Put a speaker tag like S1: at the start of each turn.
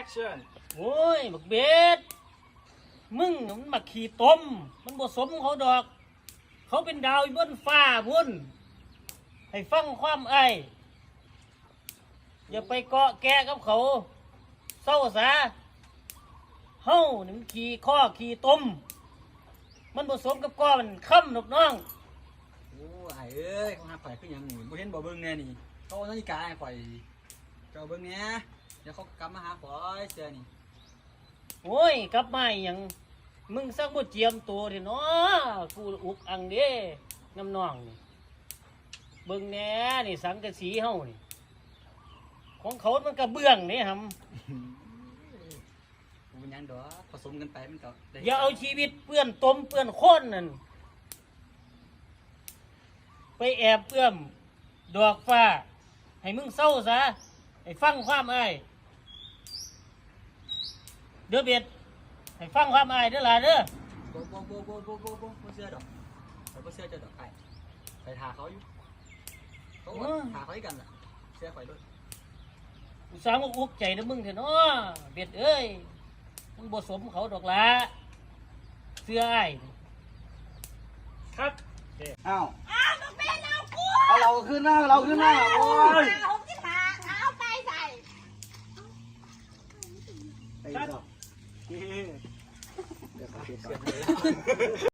S1: action
S2: โอ้ยบักเบ็ดมึงน่ะมันมาขี่ต้มมันบ่สมเขาดอก เขาเป็นดาวอยู่บนฟ้าพุ่นให้ฟังความไอ้อย่าไปเกาะแกะกับเขาเศร้าซะเฮานี่มันขี่ข้อขี่ต้มมันบ่สมกับก้อมันค่ำนกน้อง
S1: โอ้ไอ้เอ้ยเขาหาข่อยขึ้นยังหนูบ่เห็นบ่เบิ่งแน่นี่เขาเอานาฬิกาให้ข่อยเจ้าเบิ่งแน่เดี๋ยวเขากลับมาหาข่อยเสื้อนี่
S2: โอ้ยกลับมาอหยังมึงสักบ่เจียมตัวเด้เนาะกูอุกอังเด้น้ำน้องนี่เบิ่งแหน่นี่สังกะสีเฮานี่ของเขามันกระเบื้องนี่หำ
S1: กูเป็นหยังดอกผสมกันไปมันก็ได้
S2: อย่าเอาชีวิตเปื้อนตมเปื้อนโคนนั่นไปแอบเอื้อมดอกฟ้าให้มึงเศร้าซะให้ฟังความอ้ายเด้อเบ็ดให้ฟังความอ้ายเด้อหล่ะเด้อ
S1: บ่เสื้อดอกข่อยบ่เสื้อเจ้าดอกไอ้ไปทาเขาอยู่เขาทาเขาให้กันล่ะเสื้อข่อยด้วย
S2: กูสร้างว่าอุกใจนะมึงเถอะเนาะเบ็ดเอ้ยมึงบ่สมเขาดอกละเสื้ออ้ายครับ
S1: อ้าว
S3: อ้าวมันเป็นเรากู
S1: เอาเราขึ้นหน้าเราขึ้นหน้าโอ้ย
S3: ผมจะหาเอาไปใส่
S1: ไปดอกเดี๋ยวเขาเก็บก่อน